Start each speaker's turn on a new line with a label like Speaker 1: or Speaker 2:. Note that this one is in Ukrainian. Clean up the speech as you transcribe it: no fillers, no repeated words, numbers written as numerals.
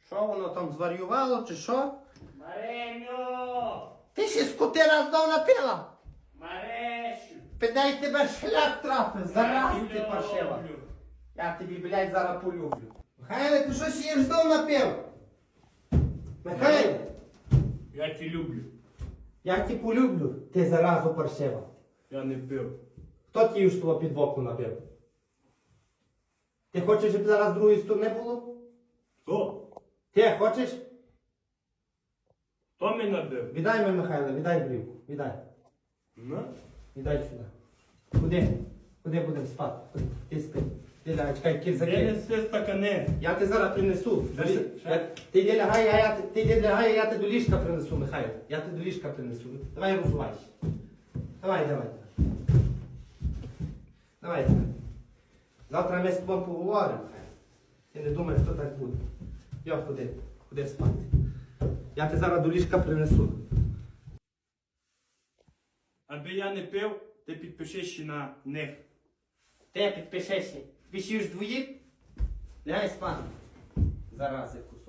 Speaker 1: Що воно там зварювало чи що?
Speaker 2: Мареню!
Speaker 1: Ти ще скотина знов напила?
Speaker 2: Марешу!
Speaker 1: Підай тебе шлях трапив, зараз
Speaker 2: Я
Speaker 1: ти
Speaker 2: люблю.
Speaker 1: паршива. Я тобі, блядь, зараз полюблю. Михайле, ти що ще знов напив? Михайле,
Speaker 2: Я тебе люблю.
Speaker 1: я тебе полюблю, ти заразу паршива.
Speaker 2: Я не пив.
Speaker 1: Хто ті ж того під боку напив? Ти хочеш, щоб зараз з другої сторони було?
Speaker 2: Хто?
Speaker 1: Ти хочеш?
Speaker 2: Хто мене набив?
Speaker 1: Віддай мені, Михайло, віддай брівку, віддай.
Speaker 2: Ну?
Speaker 1: Віддай сюди. Куди? Куди будемо спати? Куди? Ти спи. Ти лягай, чекай,
Speaker 2: Де
Speaker 1: кірзаки.
Speaker 2: неси стакани?
Speaker 1: Я тебе зараз принесу.
Speaker 2: Що?
Speaker 1: Ти йди лягай, я тебе до ліжка принесу, Михайло. Я тебе до ліжка принесу. Давай розувайся. Давай. Давай. Завтра ми з тобою поговоримо. Ти не думай, хто так буде. Йо, ходи спати. Я тебе зараз до ліжка принесу.
Speaker 2: Аби я не пив, ти підпишись ще на них.
Speaker 1: Ти підпишешся. Пишеш двоїх? Лягай спати. Зараз якусь.